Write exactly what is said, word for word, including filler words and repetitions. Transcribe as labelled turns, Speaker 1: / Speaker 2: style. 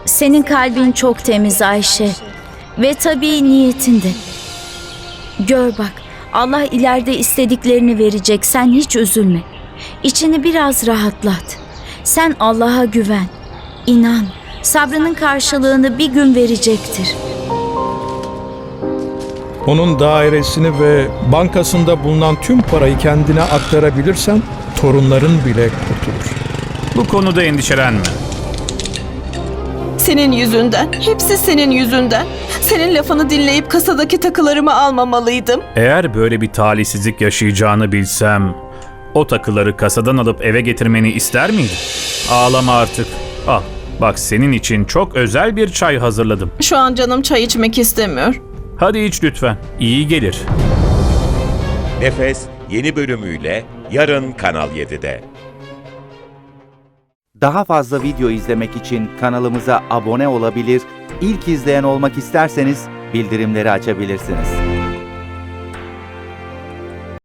Speaker 1: Senin kalbin çok temiz Ayşe. Ve tabii niyetinde. Gör bak, Allah ileride istediklerini verecek. Sen hiç üzülme. İçini biraz rahatlat. Sen Allah'a güven. İnan, sabrının karşılığını bir gün verecektir.
Speaker 2: Onun dairesini ve bankasında bulunan tüm parayı kendine aktarabilirsen torunların bile kurtulur.
Speaker 3: Bu konuda endişelenme.
Speaker 4: Senin yüzünden, hepsi senin yüzünden. Senin lafını dinleyip kasadaki takılarımı almamalıydım.
Speaker 3: Eğer böyle bir talihsizlik yaşayacağını bilsem, o takıları kasadan alıp eve getirmeni ister miydin? Ağlama artık. Al, bak senin için çok özel bir çay hazırladım.
Speaker 4: Şu an canım çay içmek istemiyor.
Speaker 3: Hadi iç lütfen, iyi gelir.
Speaker 5: Nefes yeni bölümüyle yarın Kanal yedide.
Speaker 6: Daha fazla video izlemek için kanalımıza abone olabilir, ilk izleyen olmak isterseniz bildirimleri açabilirsiniz.